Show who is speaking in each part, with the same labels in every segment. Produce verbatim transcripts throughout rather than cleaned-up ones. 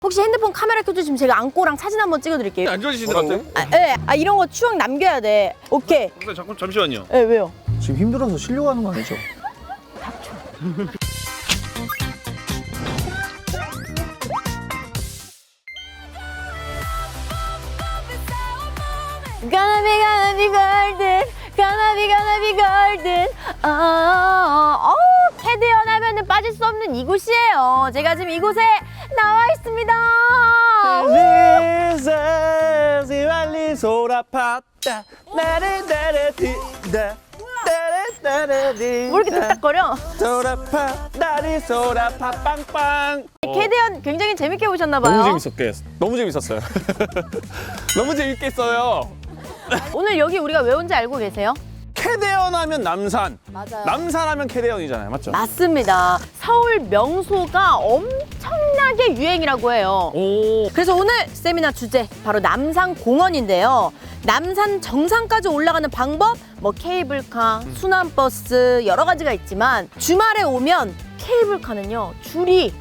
Speaker 1: 혹시 핸드폰 카메라 켜주시면 제가 안고랑 사진 한번 찍어드릴게요.
Speaker 2: 안 좋아지시는 것 같아요?
Speaker 1: 아, 네. 아 이런 거 추억 남겨야 돼. 오케이.
Speaker 2: 선생님 잠깐 잠시만요.
Speaker 1: 네, 왜요?
Speaker 3: 지금 힘들어서 쉬려고 하는 거 아니죠?
Speaker 1: 닥쳐. Gonna be gonna be golden, gonna be gonna be golden. 어, 어, 어, 캐대언 하면은 빠질 수 없는 이곳이에요. 제가 지금 이곳에 나와 있습니다.
Speaker 3: 시발리 소라파다 나를 따라디다 따라따라디
Speaker 1: 뭐 이렇게 뚝딱거려?
Speaker 3: 소라파 나를 소라파 빵빵.
Speaker 1: 캐대언 굉장히 재밌게 보셨나봐요.
Speaker 3: 너무 재밌었게 너무 재밌었어요. 너무 재밌게 했어요.
Speaker 1: 오늘 여기 우리가 왜 온지 알고 계세요?
Speaker 3: 캐대언 하면 남산,
Speaker 1: 맞아요.
Speaker 3: 남산 하면 캐대언이잖아요, 맞죠?
Speaker 1: 맞습니다. 서울 명소가 엄청나게 유행이라고 해요.
Speaker 3: 오.
Speaker 1: 그래서 오늘 세미나 주제 바로 남산공원인데요. 남산 정상까지 올라가는 방법, 뭐 케이블카, 순환버스 여러 가지가 있지만 주말에 오면 케이블카는요 줄이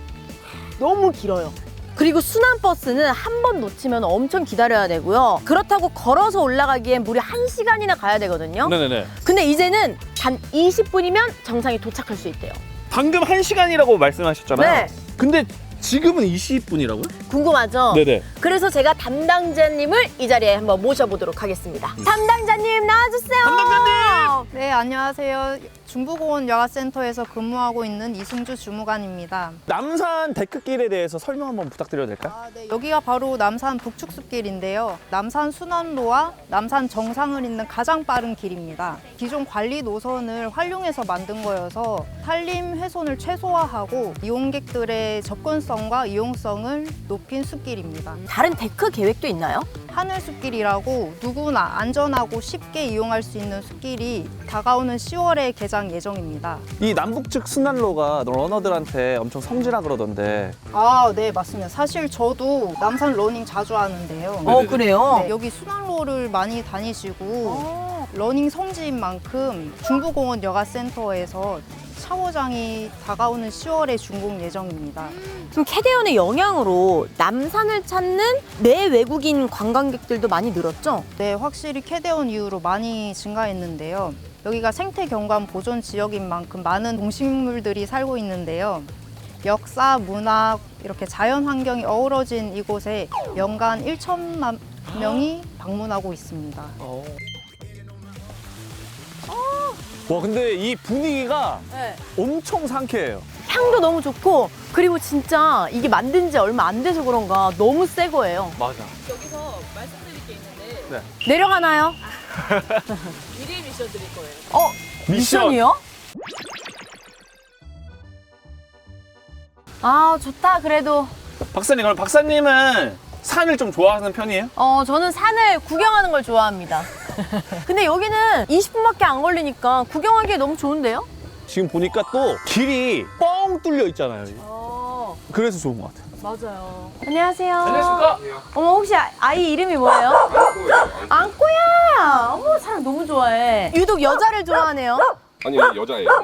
Speaker 1: 너무 길어요. 그리고 순환버스는 한 번 놓치면 엄청 기다려야 되고요. 그렇다고 걸어서 올라가기엔 무려 한 시간이나 가야 되거든요.
Speaker 3: 네네네.
Speaker 1: 근데 이제는 단 이십 분이면 정상에 도착할 수 있대요.
Speaker 3: 방금 한 시간이라고 말씀하셨잖아요.
Speaker 1: 네.
Speaker 3: 근데 지금은 이십 분이라고요?
Speaker 1: 궁금하죠?
Speaker 3: 네네.
Speaker 1: 그래서 제가 담당자님을 이 자리에 한번 모셔보도록 하겠습니다. 담당자님 나와주세요.
Speaker 3: 담당자님!
Speaker 4: 네, 안녕하세요. 중부공원 여가센터에서 근무하고 있는 이승주 주무관입니다.
Speaker 3: 남산 데크길에 대해서 설명 한번 부탁드려도 될까요?
Speaker 4: 아, 네, 여기가 바로 남산 북측숲길인데요. 남산 순환로와 남산 정상을 잇는 가장 빠른 길입니다. 기존 관리 노선을 활용해서 만든 거여서 산림 훼손을 최소화하고 이용객들의 접근성과 이용성을 높인 숲길입니다.
Speaker 1: 다른 데크 계획도 있나요?
Speaker 4: 하늘숲길이라고 누구나 안전하고 쉽게 이용할 수 있는 숲길이 다가오는 시월에 개장 예정입니다.
Speaker 3: 이 남북측 순환로가 러너들한테 엄청 성지라 그러던데.
Speaker 4: 아, 네, 맞습니다. 사실 저도 남산 러닝 자주 하는데요.
Speaker 1: 어 그래요?
Speaker 4: 네, 여기 순환로를 많이 다니시고
Speaker 1: 어.
Speaker 4: 러닝 성지인 만큼 중부공원 여가센터에서 샤워장이 다가오는 시월에 준공 예정입니다.
Speaker 1: 그럼 캐대언의 영향으로 남산을 찾는 내외국인 관광객들도 많이 늘었죠?
Speaker 4: 네, 확실히 캐대온 이후로 많이 증가했는데요. 여기가 생태경관 보존 지역인 만큼 많은 동식물들이 살고 있는데요. 역사, 문화, 이렇게 자연 환경이 어우러진 이곳에 연간 천만 명이 방문하고 있습니다.
Speaker 3: 와, 근데 이 분위기가
Speaker 1: 네.
Speaker 3: 엄청 상쾌해요.
Speaker 1: 향도 너무 좋고 그리고 진짜 이게 만든 지 얼마 안 돼서 그런가 너무 새 거예요.
Speaker 3: 맞아.
Speaker 5: 여기서 말씀드릴 게 있는데
Speaker 1: 내려가나요?
Speaker 5: 미리 미션 드릴 거예요.
Speaker 1: 어? 미션이요? 아 좋다 그래도.
Speaker 3: 박사님, 그럼 박사님은 산을 좀 좋아하는 편이에요?
Speaker 1: 어 저는 산을 구경하는 걸 좋아합니다. 근데 여기는 이십 분밖에 안 걸리니까 구경하기에 너무 좋은데요?
Speaker 3: 지금 보니까 또 길이 뻥 뚫려 있잖아요.
Speaker 1: 어
Speaker 3: 그래서 좋은 것 같아요.
Speaker 1: 맞아요. 안녕하세요.
Speaker 3: 안녕하십니까?
Speaker 1: 어머 혹시 아- 아이 이름이 뭐예요? 안꼬야. 어머 사람 너무 좋아해. 유독 여자를 좋아하네요.
Speaker 6: 아니 여자예요. 얘도.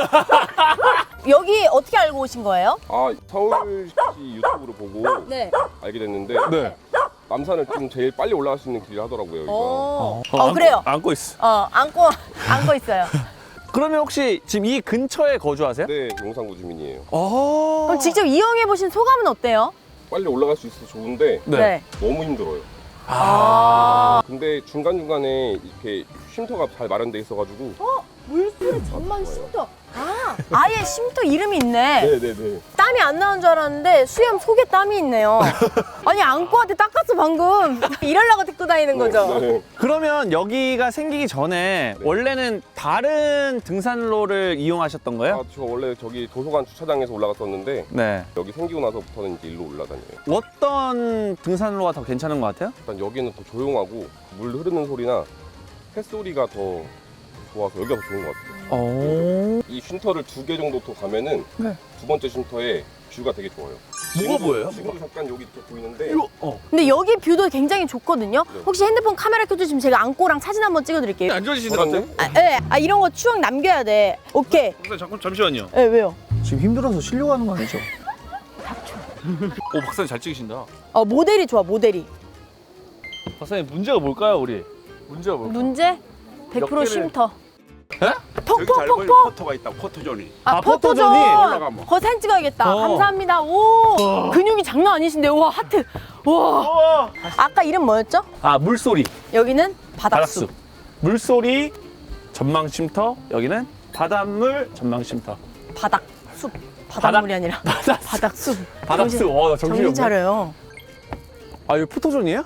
Speaker 1: 여기 어떻게 알고 오신 거예요?
Speaker 6: 아 서울시 유튜브로 보고
Speaker 1: 네.
Speaker 6: 알게 됐는데
Speaker 3: 네.
Speaker 6: 남산을 좀 제일 빨리 올라갈 수 있는 길이 하더라고요. 여기가.
Speaker 1: 어,
Speaker 3: 어,
Speaker 1: 어
Speaker 3: 안고-
Speaker 1: 그래요.
Speaker 3: 안고 있어.
Speaker 1: 어 안고 안고 있어요.
Speaker 3: 그러면 혹시 지금 이 근처에 거주하세요?
Speaker 6: 네, 용산구 주민이에요.
Speaker 3: 어.
Speaker 1: 그럼 직접 이용해 보신 소감은 어때요?
Speaker 6: 빨리 올라갈 수 있어서 좋은데
Speaker 3: 네.
Speaker 6: 너무 힘들어요.
Speaker 1: 아.
Speaker 6: 근데 중간 중간에 이렇게 쉼터가 잘 마련돼 있어가지고.
Speaker 1: 물소리 전망 쉼터. 아 아예 쉼터 이름이 있네.
Speaker 6: 네네네.
Speaker 1: 땀이 안 나는 줄 알았는데 수염 속에 땀이 있네요. 아니 안고한테 닦았어 방금. 이러려고 듣고 다니는 거죠?
Speaker 6: 네.
Speaker 3: 그러면 여기가 생기기 전에
Speaker 6: 네.
Speaker 3: 원래는 다른 등산로를 이용하셨던 거예요?
Speaker 6: 아, 저 원래 저기 도서관 주차장에서 올라갔었는데
Speaker 3: 네.
Speaker 6: 여기 생기고 나서부터는 이제 일로 올라다녀요.
Speaker 3: 어떤 등산로가 더 괜찮은 것 같아요?
Speaker 6: 일단 여기는 더 조용하고 물 흐르는 소리나 햇소리가 더 좋아서 여기가 더 좋은 것 같아요.
Speaker 3: 오.
Speaker 6: 이 쉼터를 두 개 정도 더 가면은
Speaker 3: 네.
Speaker 6: 두 번째 쉼터에 뷰가 되게 좋아요.
Speaker 3: 뭐가
Speaker 6: 지금도-
Speaker 3: 보여요?
Speaker 6: 지금도 잠깐 여기 이렇게 보이는데
Speaker 3: 이거, 어.
Speaker 1: 근데 여기 뷰도 굉장히 좋거든요.
Speaker 6: 네.
Speaker 1: 혹시 핸드폰 카메라 켜주시면 제가 안고랑 사진 한번 찍어드릴게요.
Speaker 2: 안 좋아지시는 것 같아요?
Speaker 1: 아, 네. 아 이런 거 추억 남겨야 돼. 오케이.
Speaker 2: 선생님 잠깐 잠시만요.
Speaker 1: 네, 왜요?
Speaker 3: 지금 힘들어서 쉬려고 하는 거 아니죠?
Speaker 1: 닥쳐.
Speaker 2: 오 박사님 잘 찍으신다.
Speaker 1: 어, 모델이 좋아, 모델이.
Speaker 2: 박사님 문제가 뭘까요 우리? 문제가 뭘까?
Speaker 1: 문제? 백 퍼센트
Speaker 2: 몇 개를-
Speaker 1: 쉼터.
Speaker 2: 에?
Speaker 7: 여기 잘 보이는
Speaker 1: 톡톡톡톡.
Speaker 7: 포토가 있다. 포토존이.
Speaker 1: 아,
Speaker 3: 아,
Speaker 1: 포토존.
Speaker 3: 포토존이
Speaker 7: 올라가면.
Speaker 1: 거 사진 찍어야겠다.
Speaker 3: 어.
Speaker 1: 감사합니다. 오, 근육이 장난 아니신데. 와, 하트. 와. 아까 이름 뭐였죠?
Speaker 3: 아 물소리.
Speaker 1: 여기는 바닥숲.
Speaker 3: 물소리 전망 쉼터. 여기는 바닷물 전망 쉼터.
Speaker 1: 바닥숲. 바닷물이 아니라
Speaker 3: 바닷
Speaker 1: 바닥숲.
Speaker 3: 바닷숲.
Speaker 1: 정신-
Speaker 3: 어, 나 정신이
Speaker 1: 정신
Speaker 3: 없네.
Speaker 1: 차려요.
Speaker 3: 아 이거 포토존이에요?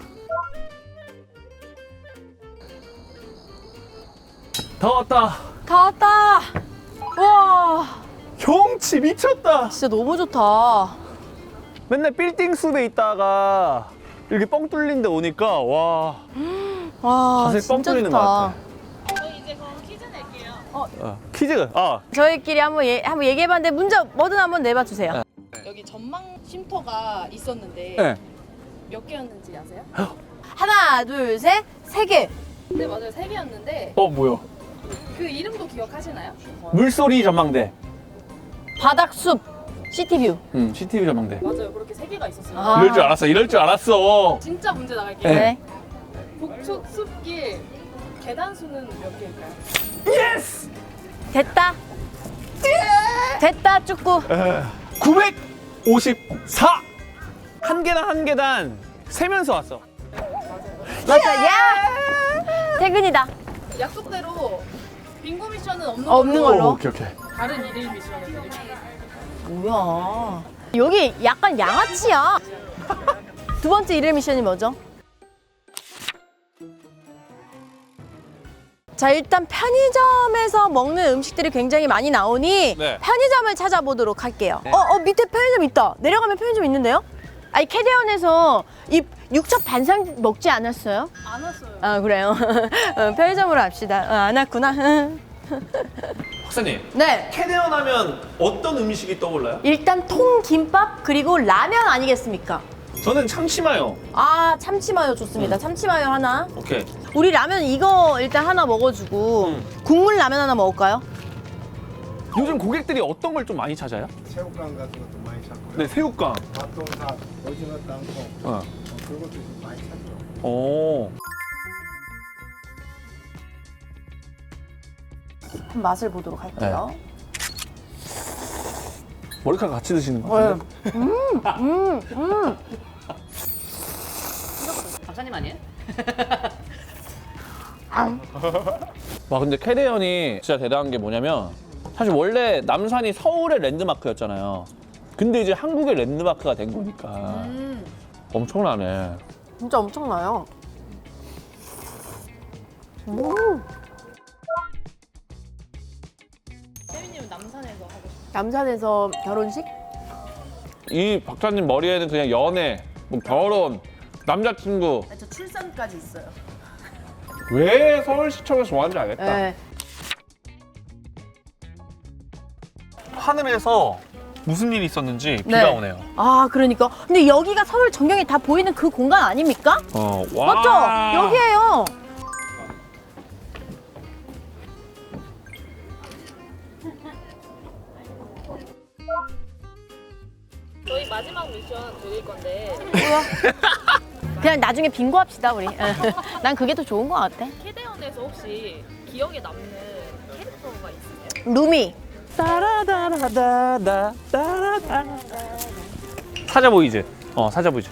Speaker 3: 다 왔다.
Speaker 1: 다 왔다. 와,
Speaker 3: 경치 미쳤다.
Speaker 1: 진짜 너무 좋다.
Speaker 3: 맨날 빌딩 숲에 있다가 이렇게 뻥 뚫린 데 오니까 와
Speaker 1: 와,
Speaker 3: 가슴이 뻥
Speaker 1: 진짜
Speaker 3: 뚫리는 것
Speaker 1: 좋다.
Speaker 3: 같아.
Speaker 5: 저희 이제 그럼 퀴즈 낼게요.
Speaker 3: 어, 퀴즈. 아
Speaker 1: 저희끼리 한번 예, 한번 얘기해봤는데 문제 뭐든 한번 내봐 주세요.
Speaker 5: 여기 전망 쉼터가 있었는데
Speaker 3: 네.
Speaker 5: 몇 개였는지 아세요?
Speaker 1: 하나, 둘, 셋, 세 개.
Speaker 5: 네 맞아요 세 개였는데
Speaker 3: 어 뭐야?
Speaker 5: 그 이름도 기억하시나요?
Speaker 3: 물소리 전망대.
Speaker 1: 바닥숲, 시티뷰.
Speaker 3: 응, 씨티비 전망대.
Speaker 5: 맞아요 그렇게 세 개가 있었어요.
Speaker 1: 아.
Speaker 3: 이럴 줄 알았어. 이럴 줄 알았어.
Speaker 5: 진짜 문제 나갈게요.
Speaker 1: 네.
Speaker 5: 북측 숲길 계단 수는 몇 개일까요?
Speaker 1: 됐다. 됐다, 축구.
Speaker 3: 구백오십사. 한 계단 한 계단 세면서 왔어.
Speaker 1: 맞아, 야! 퇴근이다.
Speaker 5: 약속대로 빙고 미션은 없는,
Speaker 1: 없는
Speaker 5: 걸로
Speaker 1: 걸로.
Speaker 3: 오케이 오케이.
Speaker 5: 다른 일일 미션을 드릴게요.
Speaker 1: 뭐야. 여기 약간 양아치야. 두 번째 일일 미션이 뭐죠? 자, 일단 편의점에서 먹는 음식들이 굉장히 많이 나오니
Speaker 2: 네.
Speaker 1: 편의점을 찾아보도록 할게요. 어, 어, 밑에 편의점 있다. 내려가면 편의점 있는데요? 아니, 캐대원에서 이 육첩 반상 먹지 않았어요?
Speaker 5: 안 왔어요.
Speaker 1: 아, 그래요? 어, 편의점으로 합시다. 어, 안 왔구나.
Speaker 3: 박사님,
Speaker 1: 네.
Speaker 3: 캐대원 하면 어떤 음식이 떠올라요?
Speaker 1: 일단 통김밥 그리고 라면 아니겠습니까?
Speaker 3: 저는 참치마요.
Speaker 1: 아, 참치마요 좋습니다. 참치마요 하나.
Speaker 3: 오케이.
Speaker 1: 우리 라면 이거 일단 하나 먹어주고
Speaker 3: 음.
Speaker 1: 국물 라면 하나 먹을까요?
Speaker 3: 요즘 고객들이 어떤 걸 좀 많이 찾아요?
Speaker 8: 새우깡 같은 것도 많이 찾고
Speaker 3: 네, 새우깡.
Speaker 8: 밥동사, 오징어 땅콩
Speaker 3: 어.
Speaker 8: 어, 그런 것도 좀 많이 찾죠.
Speaker 3: 오.
Speaker 1: 한번 맛을 보도록 할게요.
Speaker 3: 머리카락 같이 드시는 거 같은데?
Speaker 1: 음, 음.
Speaker 5: 박사님 아니에요?
Speaker 3: 와, 근데 캐대언이 진짜 대단한 게 뭐냐면 사실 원래 남산이 서울의 랜드마크였잖아요. 근데 이제 한국의 랜드마크가 된 거니까
Speaker 1: 음.
Speaker 3: 엄청나네.
Speaker 1: 진짜 엄청나요. 음.
Speaker 5: 세빈님은 남산에서 하고 싶어요.
Speaker 1: 남산에서 결혼식?
Speaker 3: 이 박사님 머리에는 그냥 연애, 뭐 결혼, 남자친구.
Speaker 1: 저 출산까지 있어요.
Speaker 3: 왜 서울시청에서 좋아하는지 알겠다.
Speaker 1: 네.
Speaker 3: 하늘에서 무슨 일이 있었는지
Speaker 1: 네.
Speaker 3: 비가 오네요.
Speaker 1: 아, 그러니까. 근데 여기가 서울 전경이 다 보이는 그 공간 아닙니까?
Speaker 3: 어, 와.
Speaker 1: 맞죠? 여기에요.
Speaker 5: 저희 마지막 미션 드릴 건데
Speaker 1: 뭐야? 그냥 나중에 빙고 합시다, 우리. 난 그게 더 좋은 것 같아.
Speaker 5: 캐대원에서 혹시 기억에 남는 캐릭터가 있으세요?
Speaker 1: 루미.
Speaker 3: 따라다라다다 따라다. 사자 보이즈. 어, 사자 보이즈.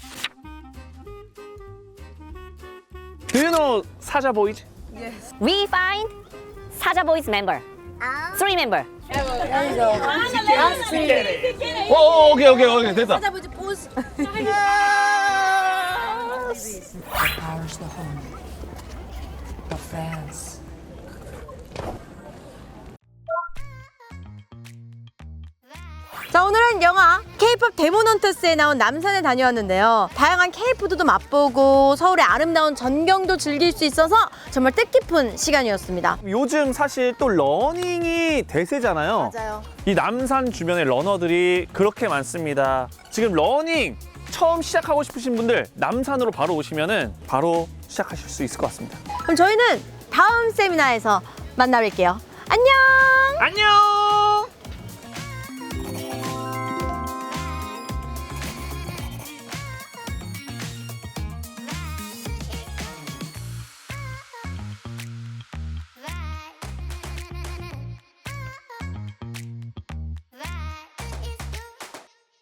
Speaker 3: Do you know 사자 보이즈?
Speaker 9: We find Saja Boys member. Three member.
Speaker 3: 오, 오, 오케이, 오케이, 오케이, 됐다.
Speaker 1: 찾아보지, 보스. 자, 오늘은 영화 K-팝 데모넌터스에 나온 남산에 다녀왔는데요. 다양한 K-푸드도 맛보고 서울의 아름다운 전경도 즐길 수 있어서 정말 뜻깊은 시간이었습니다.
Speaker 3: 요즘 사실 또 러닝이 대세잖아요.
Speaker 1: 맞아요.
Speaker 3: 이 남산 주변에 러너들이 그렇게 많습니다. 지금 러닝 처음 시작하고 싶으신 분들 남산으로 바로 오시면은 바로 시작하실 수 있을 것 같습니다.
Speaker 1: 그럼 저희는 다음 세미나에서 만나 뵐게요. 안녕!
Speaker 3: 안녕!